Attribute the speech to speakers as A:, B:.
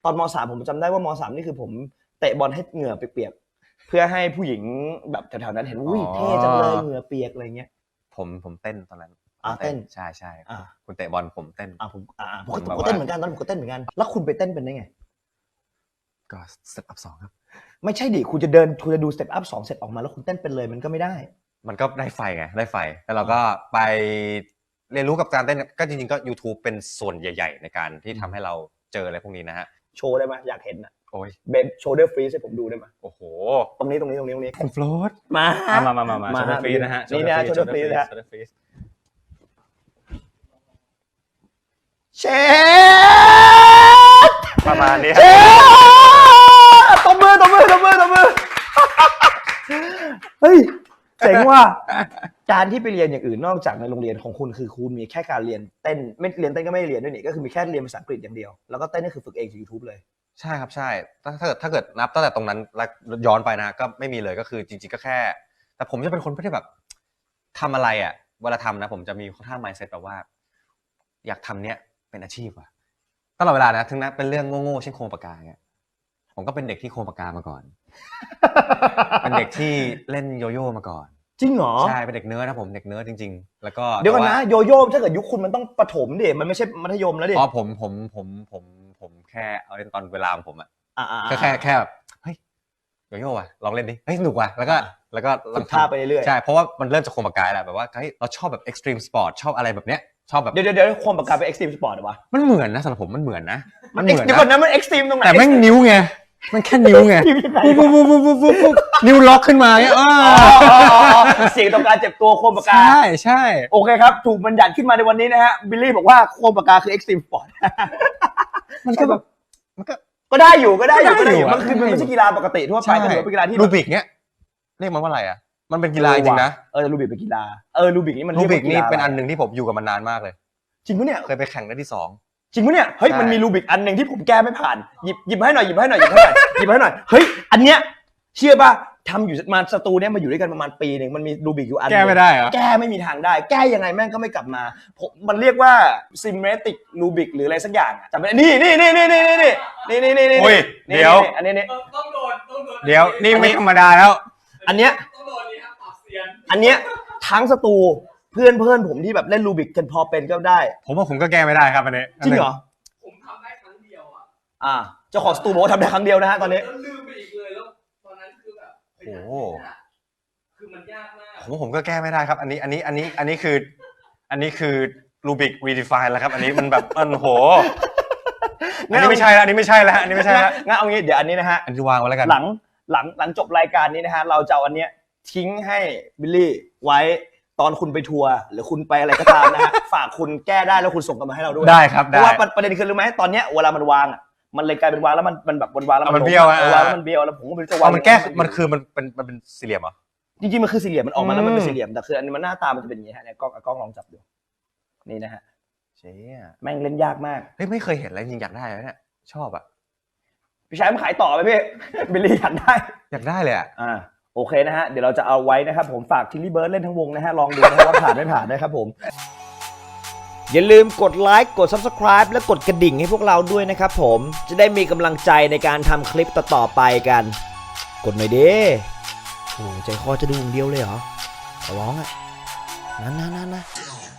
A: ตอนม.3ผมจำได้ว่าม.3นี่คือผมเตะบอลให้เหงื่อเปียกๆเพื่อให้ผู้หญิงแบบแถวๆนั้นเห็นอุ้ยเท่จังเลยเหงื่อเปียกอะไรเงี้ย
B: ผมเต้นตอนนั้น
A: เต้น
B: ใช่คุณเตะบอลผมเต้น
A: ผมก็เต้นเหมือนกันตอนผมก็เต้นเหมือนกันแล้วคุณไปเต้นเป็นได้ไง
B: ก็สเต็ปอัพ2ครับ
A: ไม่ใช่ดิคุณจะดูสเต็ปอัพ2เสร็จออกมาแล้วคุณเต้นเป็นเลยมันก็ไม่ได้
B: มันก็ได้ไฟไงได้ไฟแล้วเราก็ไปเรียนรู้กับการเต้นก็จริงๆก็ YouTube เป็นส่วนใหญ่ๆในการที่ทำให้เราเจออะไรพวกนี้นะฮะ
A: โชว์ได้ไหมอยากเห็นนะ
B: โอ้ย
A: เบนโชว์เดอร์ฟรีให้ผมดูได้ไหม
B: โอ้โห
A: ตรงนี้
B: คุณโฟลต
A: มา
B: โชว์เดอร์ฟรีนะฮะ
A: นี่นะโชว์เดอร์ฟรีนะเชฟ
B: ประมาณนี้
A: ตบมือเฮ้ยเจ๋งว่ะการที่ไปเรียนอย่างอื่นนอกจากในโรงเรียนของคุณคือคุณมีแค่การเรียนเต้นไม่เรียนเต้นก็ไม่เรียนด้วยนี่ก็คือมีแค่เรียนภาษาอังกฤษอย่างเดียวแล้วก็เต้นนี่คือฝึกเองจาก YouTube เลย
B: ใช่ครับใช่ถ้าเกิดนับตั้งแต่ตรงนั้นแล้วย้อนไปนะก็ไม่มีเลยก็คือจริงๆก็แค่แต่ผมจะเป็นคนที่แบบทำอะไรอ่ะเวลาทำนะผมจะมีค่อนข้าง mindset แบบว่าอยากทำเนี้ยเป็นอาชีพว่ะตลอดเวลานะถึงนั้นเป็นเรื่องโง่ๆเช่นโครงปากกาเงี้ยผมก็เป็นเด็กที่โครงปากกามาก่อนเป็นเด็กที่เล่นโยโย่มาก่อน
A: จริงเหรอ
B: ใช่เป็นเด็กเนิร์ดนะผมเด็กเนิร์ดจริงๆแล้วก็
A: เดี๋ยวก่อนนะโยโย่ถ้าเกิดยุคคุณมันต้องประถมดิมันไม่ใช่มัธยมแล้วดิ
B: อ๋อผมแค่เอาเล่นตอนเวลาของผมอ่ะแค่แบบเฮ้ยโยโย่ว่ะลองเล่นดิเฮ้ยสนุกว่ะแล้วก็
A: ฝึกท่าไปเรื่อย
B: ใช่เพราะว่ามันเริ่มจากโครงปากกาแหละแบบว่าเฮ้ยเราชอบแบบ extreme sport ชอบอะไรแบบเนี้ยชอบแบบ
A: เดี๋ยวโครงปากกาเป็น extreme sport หรอวะ
B: มันเหมือนนะสำหรับผมมันเหมือนนะ
A: เดี๋ยวก่อนนะมัน extreme ตรงไหน
B: แต่แม่งนิ้วไงมันแค่นิ้วไงปุ๊บนิ้วล็อกขึ้นมาเนี่ย
A: เสียงต่อการเจ็บตัวโคมปากกา
B: ใช่
A: โอเคครับถูกบัญญัติขึ้นมาในวันนี้นะฮะบิลลี่บอกว่าโคมปากกาคือ extreme sport
B: มันก็แบบ
A: ก็ได้อยู่มันคือมันไม่ใช่กีฬาปกติทั่วไปแต่เป็นกีฬาที่
B: รูบิกเนี้ยเรียกมันว่าอะไรอ่ะมันเป็นกีฬาจริงนะ
A: รูบิกเป็นกีฬารูบิกนี่มัน
B: รูบิกนี่เป็นอันนึงที่ผมอยู่กับมันนานมากเลย
A: จริงปะเนี่ย
B: เคยไปแข่งได้ที่2
A: จริงปะเนี่ยเฮ้ยมันมีรูบิกอันนึงที่ผมแก้ไม่ผ่านหยิบให้หน่อยเฮ้ยอันเนี้ยเชื่อป่ะทำอยู่มาสตูเนี่ยมาอยู่ด้วยกันประมาณปีนึงมันมีรูบิกอยู่อัน
B: แก้ไม่ได้เหรอ
A: แก้ไม่มีทางได้แก้ยังไงแม่งก็ไม่กลับมามันเรียกว่า symmetric Rubik หรืออะไรสักอย่างจำไม่ได้นี่เดี๋ยวอันนี้
C: ต้องโดน
B: เดี๋ยวนี่ไม่ธรรมดาแล้ว
A: อันเนี้ย
C: ต้องโดนนี่ครับปรับเซียน
A: อันเนี้ยทั้งสตูเพื่อนผมที่แบบเล่นรูบิกกันพอเป็นก็ได้
B: ผมว่าผมก็แก้ไม่ได้ครับอันนี้
A: จริงเหรอ
C: ผมทำได้ครั้งเดียวอ่ะ
A: เจ้าของสตูบอกว่าทำได้ครั้งเดียวนะฮะตอนนี้
C: แล้วลืมไปอีกเลยแล้วตอนนั้นคือแบบ
B: โอ้
C: คือมันยากมาก
B: ผมก็แก้ไม่ได้ครับอันนี้คือรูบิกรีดิฟายแล้วครับอันนี้มันแบบโหอันนี้ไม่ใช่แล้ว
A: งั้นเอางี้เดี๋ยวอันนี้นะฮะ
B: อันที่วางไว้แล้วกัน
A: หลังจบรายการนี้นะฮะเราจะเอาอันเนี้ยทิ้งให้บิลลี่ไว้ตอนคุณไปทัวร์หรือคุณไปอะไรก็ตามนะฮะฝากคุณแก้ได้แล้วคุณส่งกันมาให้เราด้วย
B: ได้ครับ
A: เพราะว่าประเด็นคือรู้ไหมตอนเนี้ยเวลามันวางมันเลยกลายเป็นวางแล้วมันแบบวางแล้ว
B: มันเบี้ยว
A: แล้วมันเบี้ยวแล้วผมก็ไม่รู้จะวาง
B: มันแก้มันคือมันเป็นสี่เหลี่ยมเหรอ
A: จริงๆมันคือสี่เหลี่ยมมันออกมาแล้วมันเป็นสี่เหลี่ยมแต่คืออันนี้มันหน้าตามันจะเป็นอย่างนี้ฮะเนี่ยกล้องลองจับดูนี่นะฮะ
B: เชี่ย
A: แม่งเล่นยากมาก
B: เฮ้ยไม่เคยเห็นอะไรจริงอยากได้เลยเนี่ยชอบอ่ะ
A: พี่ชายมันขายต่อไหมพี่บิลลี่อยาก
B: ได้เลย
A: โอเคนะฮะเดี๋ยวเราจะเอาไว้นะครับผมฝากทิลลี่เบิร์ดเล่นทั้งวงนะฮะลองดูนะว่าผ่านไม่ผ่านนะครับผมอย่าลืมกดไลค์กด Subscribe และกดกระดิ่งให้พวกเราด้วยนะครับผมจะได้มีกำลังใจในการทำคลิปต่อๆไปกันกดหน่อยดิโอ้ใจคอจะดูอย่างเดียวเลยเหรอขอร้องนะ